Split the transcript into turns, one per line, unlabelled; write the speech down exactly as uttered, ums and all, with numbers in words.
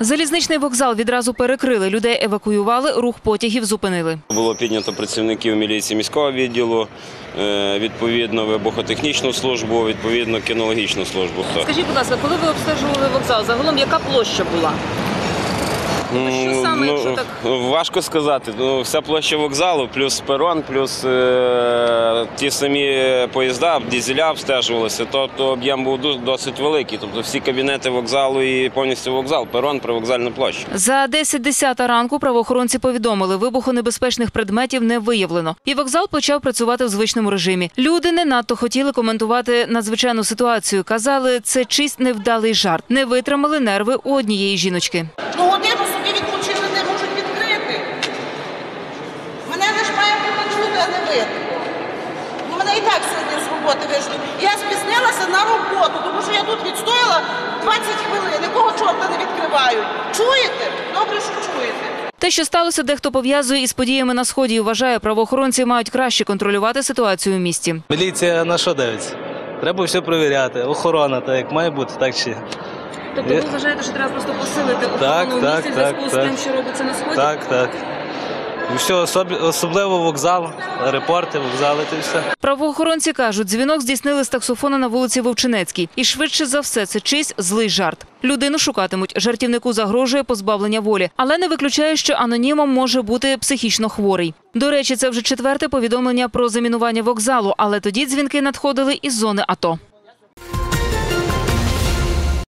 Залізничний вокзал відразу перекрили. Людей евакуювали, рух потягів зупинили.
Було піднято працівників міліції міського відділу, відповідно вибухотехнічну службу, відповідно кінологічну службу.
Скажіть, будь ласка, коли ви обстежували вокзал, загалом яка площа була? Що саме,
ну,
якщо так?
Важко сказати. Ну, вся площа вокзалу, плюс перон, плюс е, ті самі поїзда, дизеля обстежувалися, тобто об'єм був досить великий. Тобто всі кабінети вокзалу і повністю вокзал, перон, привокзальна площа.
За десять десята ранку правоохоронці повідомили, вибухонебезпечних предметів не виявлено. І вокзал почав працювати в звичному режимі. Люди не надто хотіли коментувати надзвичайну ситуацію. Казали, це чийсь невдалий жарт. Не витримали нерви у однієї жіночки.
Ну, годину собі відключили, не можуть відкрити. Мене лиш має бути чути, а не видно. Ну, мене і так сьогодні з роботи вийшли. Я спізнилася на роботу, тому що я тут відстояла двадцять хвилин, якого чорта не відкривають. Чуєте? Добре, що чуєте.
Те, що сталося, дехто пов'язує із подіями на Сході і вважає, правоохоронці мають краще контролювати ситуацію в місті.
Міліція на що дивиться? Треба все перевіряти. Охорона, так як має бути, так чи.
Тобто ви вважаєте, що треба просто посилити
Так,
охорону в
так,
місті в
так,
зв'язку з
так.
тим, що робиться на Сході?
Так, так. І все, особ- особливо вокзал, аеропорти, вокзали, то все.
Правоохоронці кажуть, дзвінок здійснили з таксофона на вулиці Вовчинецькій. І швидше за все це чийсь злий жарт. Людину шукатимуть, жартівнику загрожує позбавлення волі. Але не виключає, що анонімом може бути психічно хворий. До речі, це вже четверте повідомлення про замінування вокзалу, але тоді дзвінки надходили із зони АТО.